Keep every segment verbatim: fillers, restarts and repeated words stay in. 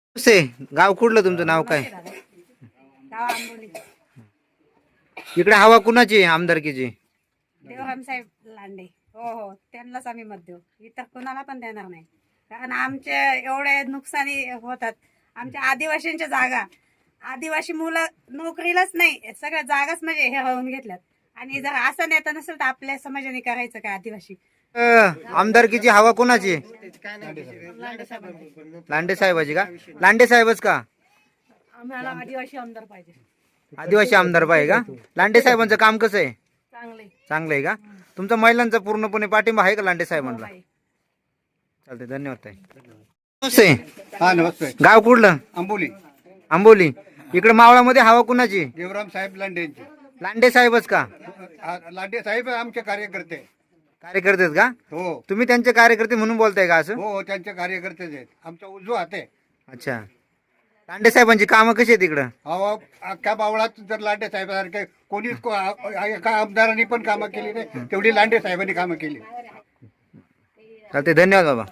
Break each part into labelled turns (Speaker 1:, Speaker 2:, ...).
Speaker 1: से गाव कुठलं तुमचं नाव काय?
Speaker 2: गाव आंबोली.
Speaker 1: इकडे हवा कुणाची आहे आमदारकीची?
Speaker 2: देवराम साहेब लांडे. हो हो, त्यांनाच आम्ही मत देऊ, इतर कोणाला पण देणार नाही. कारण आमचे एवढे नुकसानी होतात. आमच्या आदिवासींच्या जागा, आदिवासी मुलं नोकरीलाच नाही, सगळ्या जागाच म्हणजे हे होऊन घेतल्यात. आणि जर असं नेता नसेल तर आपल्या समाजाने करायचं काय? आदिवासी
Speaker 1: अ, आमदारकीची हवा कोणाची आहे? लांडे साहेबाची का? लांडे साहेबच का?
Speaker 2: आम्हाला आदिवासी आमदार पाहिजे.
Speaker 1: आदिवासी आमदार पाहिजे का? लांडे साहेबांचं काम कसं आहे?
Speaker 2: चांगले.
Speaker 1: चांगलं आहे का? तुमचा महिलांचा पूर्णपणे पाठिंबा आहे का लांडे साहेबांना? चालते, धन्यवाद ताई. नमस्ते.
Speaker 3: हा नमस्ते.
Speaker 1: गाव कुठलं?
Speaker 3: आंबोली.
Speaker 1: आंबोली. इकडे मावळामध्ये हवा कुणाची?
Speaker 3: देवराम साहेब लांडेंचे.
Speaker 1: लांडे साहेबच का?
Speaker 3: आ- लांडे साहेब आमचे कार्यकर्ते.
Speaker 1: कार्यकर्ते आहेत का?
Speaker 3: हो
Speaker 1: तुम्ही त्यांचे कार्यकर्ते म्हणून बोलताय का असं?
Speaker 3: हो हो, त्यांचे कार्यकर्तेच आहेत. आमचा उजवा हात आहे.
Speaker 1: अच्छा. लांडे साहेबांची कामं कशी आहेत इकडं?
Speaker 3: अहो, अख्ख्या बावळात जर लांडे साहेबांसारखे कोणीच को- आ- एका आमदारांनी पण कामं केली नाही, तेवढी लांडे साहेबांनी कामं केली.
Speaker 1: चालते, धन्यवाद बाबा.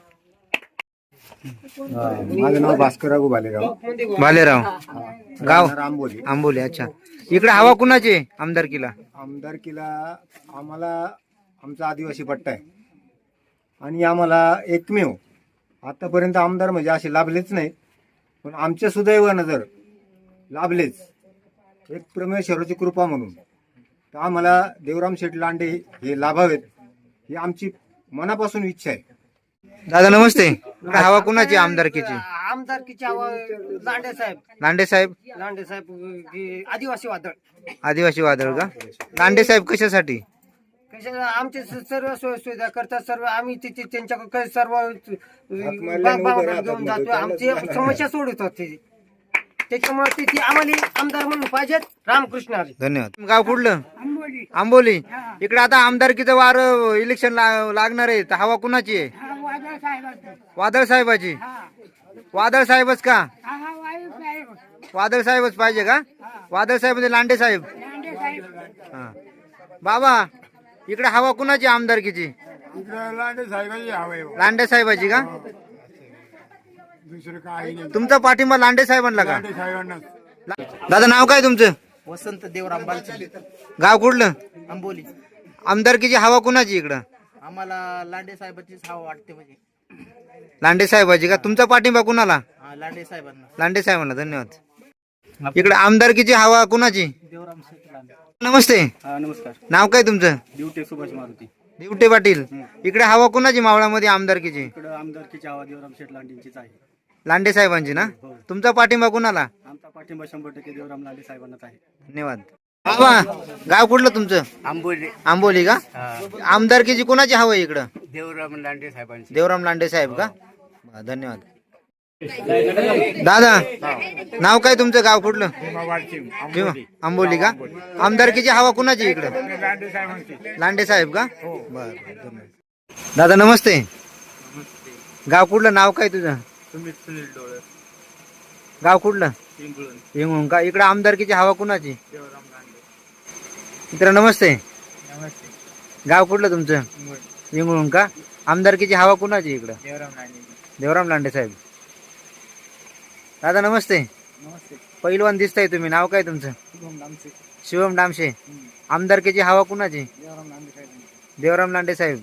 Speaker 3: माझं नाव भास्करराव बालेराव.
Speaker 1: भालेराव. गाव
Speaker 3: आंबोली.
Speaker 1: आंबोली. अच्छा. इकडे हवा कुणाची आहे आमदारकीला?
Speaker 4: आमदारकीला आम्हाला आमचा आदिवासी पट्टा आहे आणि आम्हाला एकमेव आतापर्यंत आमदार म्हणजे असे लाभलेच नाहीत, पण आमच्या सुदैवानं जर लाभलेच एक परमेश्वराची कृपा म्हणून तर आम्हाला देवराम शेठ लांडे हे लाभावेत ही आमची मनापासून इच्छा आहे.
Speaker 1: दादा नमस्ते. इकडे हवा कुणाची आहे आमदारकीची?
Speaker 5: आमदारकीची हवा लांडे साहेब.
Speaker 1: लांडे साहेब.
Speaker 5: लांडे साहेब हे आदिवासी वादळ.
Speaker 1: आदिवासी वादळ का? लांडे साहेब कशासाठी?
Speaker 5: कशा आमचे स- सर्व सोय सुविधा करतात. सर्व आम्ही तिथे त्यांच्याकडे सर्व
Speaker 4: मारल्यानं
Speaker 5: बा-
Speaker 4: उभं
Speaker 5: बा-
Speaker 4: राहतात
Speaker 5: घेऊन
Speaker 4: म्हणजे
Speaker 5: जातो. आमची समस्या सोडवतात ते. त्याच्यामुळे तिथे आम्हाला आमदार म्हणून पाहिजेत. रामकृष्ण हरी.
Speaker 1: धन्यवाद. गाव कुठलं?
Speaker 2: आंबोली.
Speaker 1: आंबोली. इकडे आता आमदारकीचं वार इलेक्शन ला- लागणार आहे, तर हवा कुणाची आहे?
Speaker 2: हा वादळ साहेब.
Speaker 1: वादळ साहेबाची. वादळ साहेबच का?
Speaker 2: हा हा वायू साहेब.
Speaker 1: वादळ साहेबच पाहिजे का? वादळ साहेब म्हणजे लांडे साहेब.
Speaker 2: लांडे साहेब.
Speaker 1: हा. बाबा इकडे हवा कुणाची आमदारकीची?
Speaker 3: लांडे साहेबांची हवे.
Speaker 1: लांडे साहेबाची का?
Speaker 3: दुसरं काही नाही.
Speaker 1: तुमचा पाठिंबा लांडे साहेबांना का?
Speaker 3: साहेबांना.
Speaker 1: दादा नाव काय तुमचं?
Speaker 5: वसंत देवराम बालचे.
Speaker 1: गाव कुठलं?
Speaker 5: आंबोली.
Speaker 1: आमदारकीची हवा कुणाची इकडं?
Speaker 5: आम्हाला लांडे साहेबांचीच हवा वाटते. म्हणजे
Speaker 1: लांडे साहेबाची का? तुमचा पाठिंबा कुणाला?
Speaker 5: हा, लांडे साहेबांना.
Speaker 1: लांडे साहेबांना. धन्यवाद. इकडे आमदारकीची हवा कुणाची?
Speaker 5: देवराम शेठ लांडे.
Speaker 1: नमस्ते.
Speaker 5: हा नमस्कार.
Speaker 1: नाव काय तुमचं?
Speaker 5: ड्युटी सुभाष मारुती.
Speaker 1: दिवटे पाटील. इकडे हवा कुणाची मावळामध्ये आमदारकीची?
Speaker 5: इकडं आमदारकीची हवा देवराम शेठ लांडेंचीच आहे.
Speaker 1: लांडे साहेबांची ना? तुमचा पाठिंबा कुणाला?
Speaker 5: आमचा पाठिंबा शंभर टक्के देवराम लांडे साहेबांनाच आहे.
Speaker 1: धन्यवाद. बाबा गाव कुठलं तुमचं?
Speaker 5: आंबोली.
Speaker 1: आंबोली का? आमदारकीची कुणाची हवा आहे इकडं?
Speaker 5: देवराम लांडे साहेबांची.
Speaker 1: देवराम लांडे साहेब का? बरं, धन्यवाद. दादा नाव काय तुमचं? गाव कुठलं? भीमा. आंबोली का? आमदारकीची हवा कुणाची इकडं? लांडे साहेब का? बरं, धन्यवाद. दादा नमस्ते. गाव कुठलं? नाव काय तुझं?
Speaker 5: सुनील डोळे.
Speaker 1: गाव कुठलं?
Speaker 5: पिंपळूण.
Speaker 1: हिंगून का? इकडे आमदारकीची हवा कुणाची?
Speaker 5: देवराम लांडे.
Speaker 1: मित्र नमस्ते.
Speaker 5: नमस्ते.
Speaker 1: गाव कुठलं तुमचं? हिंगून का? आमदारकीची हवा कुणाची इकडं?
Speaker 5: देवराम लांडे.
Speaker 1: देवराम लांडे साहेब. दादा नमस्ते.
Speaker 5: नमस्ते.
Speaker 1: पहिलवान दिसताय तुम्ही. नाव काय तुमचं?
Speaker 5: शुभम लांबचे.
Speaker 1: शिवम डामशे. आमदारकीची हवा कुणाची?
Speaker 5: देवराम लांडे साहेबांची.
Speaker 1: देवराम लांडे साहेब.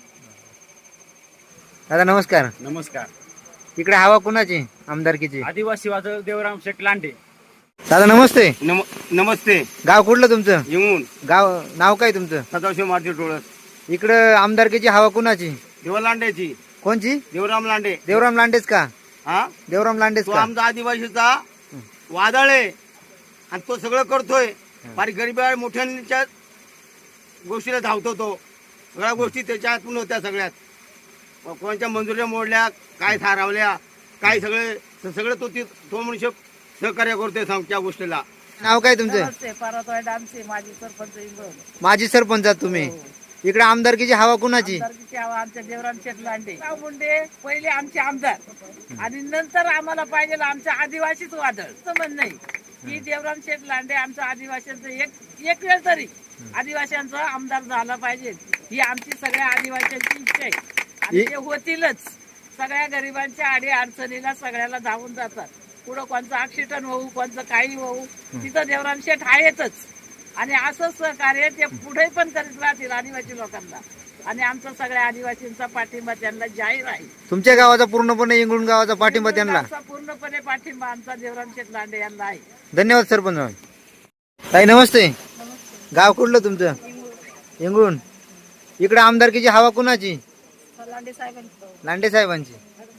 Speaker 1: दादा नमस्कार.
Speaker 5: नमस्कार.
Speaker 1: इकडे हवा कुणाची आमदारकीची?
Speaker 5: आदिवासी वादळ देवराम शेठ लांडे.
Speaker 1: दादा नमस्ते.
Speaker 3: नमस्ते.
Speaker 1: गाव कुठलं तुमचं?
Speaker 3: येऊन
Speaker 1: गाव नाव काय तुमचं?
Speaker 3: सदाशिव मारुती डोळस.
Speaker 1: इकडं आमदारकीची हवा कुणाची?
Speaker 3: देवा लांडेची.
Speaker 1: कोणची?
Speaker 3: देवराम लांडे.
Speaker 1: देवराम लांडेच का?
Speaker 3: हा,
Speaker 1: देवराम लांडेच
Speaker 3: तो
Speaker 1: का?
Speaker 3: आमचा आदिवासीचा वादळ आहे आणि तो सगळं करतोय. फार गरीब मोठ्यांच्या गोष्टीला धावतो तो. सगळ्या गोष्टी त्याच्यातून होत्या. सगळ्यात कोणाच्या मंजुऱ्या मोडल्या, काय थारावल्या, काय सगळे सगळं तो ती- तो मनुष्य सहकार्य करतोय त्या गोष्टीला.
Speaker 1: नाव काय तुमचं?
Speaker 2: नमस्ते. परतवाय डामसे, माजी सरपंच इंगळ.
Speaker 1: माजी सरपंच आहात तुम्ही. इकडे आमदारकीची हवा कुणाची?
Speaker 2: आमदारकीची हवा आमच्या देवराम शेठ लांडे. राव मुंडे पहिले आमचे आमदार आणि नंतर आम्हाला पाहिजे आमच्या आदिवासीच वादळ. असं म्हणणं नाही की देवराम शेठ लांडे आमच्या आदिवासींचं एक एक वेळ तरी आदिवासींचा आमदार झाला पाहिजे, ही आमची सगळ्या आदिवासींची इच्छा आहे आणि ते होतीलच.
Speaker 6: सगळ्या गरिबांच्या आडी अडचणीला सगळ्याला धावून जातात. पुढं कोणचं ऍक्सिडेंट होऊ, कोणचं काही होऊ, तिथं देवराम शेठ आहेतच. आणि असंच सहकार्य ते पुढे पण करीत राहतील आदिवासी लोकांना. आणि आमचा सगळ्या आदिवासींचा पाठिंबा त्यांना जाहीर आहे.
Speaker 1: तुमच्या गावाचा पूर्णपणे इंगळून गावाचा पाठिंबा त्यांना.
Speaker 6: आमचा पूर्णपणे पाठिंबा आमचा देवराम शेठ लांडे यांना आहे.
Speaker 1: धन्यवाद सरपंच. ताई नमस्ते. गाव कुठलं तुमचं? इंगळून. इकडे आमदारकीची हवा कुणाची?
Speaker 2: लांडे साहेबांची.
Speaker 1: लांडे साहेबांची.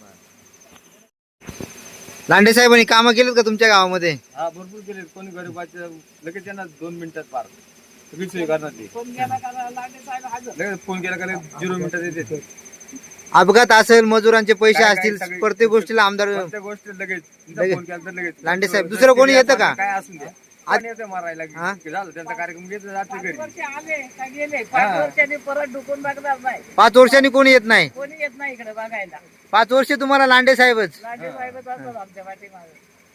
Speaker 1: लांडे साहेबांनी कामं केलीत का तुमच्या गावामध्ये?
Speaker 7: हा भरपूर केले. कोणी गरीबाच्या लगेच त्यांना दोन मिनिटात पार सगळी सोय करणार ते.
Speaker 6: फोन केला का लांडे साहेब हजर.
Speaker 7: लगेच फोन केला का लगेच झिरो मिनिटात येते.
Speaker 1: अपघात असेल, मजुरांचे पैसे
Speaker 7: काय-
Speaker 1: असतील,
Speaker 7: काय सगळे-
Speaker 1: प्रत्येक गोष्टीला आमदार
Speaker 7: प्रत्येक गोष्ट लगेच
Speaker 1: लगेच.
Speaker 7: फोन केला तर लगेच
Speaker 1: लांडे साहेब, दुसरं कोणी येतं का?
Speaker 7: काय असून द्या कोणी येतं मारायला
Speaker 1: हा?
Speaker 7: की झालं त्यांचा कार्यक्रम घेतला जाते
Speaker 6: पाच
Speaker 7: घरी.
Speaker 6: वर्ष आले का गेले, पाच वर्षांनी परत ढुकून बघणार नाही.
Speaker 1: पाच वर्षांनी कोणी येत नाही.
Speaker 6: कोणी येत नाही इकडे बघायला.
Speaker 1: पाच वर्ष तुम्हाला लांडे साहेबच.
Speaker 6: लांडे साहेबच असतात आमच्या पाठीमागे.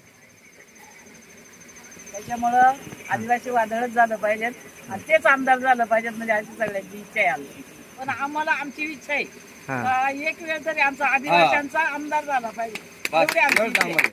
Speaker 6: त्याच्यामुळं आदिवासी वादळच झालं पाहिजेत आणि तेच आमदार झालं पाहिजेत म्हणजे अशी सगळ्यांची इच्छा आहे आमची. पण आम्हाला आमची इच्छा आहे
Speaker 1: हा.
Speaker 6: का एक वेळ तरी आमचा आदिवासींचा आमदार झाला पाहिजे.
Speaker 7: बस,
Speaker 6: एवढी आमची
Speaker 7: एवढंच
Speaker 6: इच्छा आहे.
Speaker 7: आम्हाला.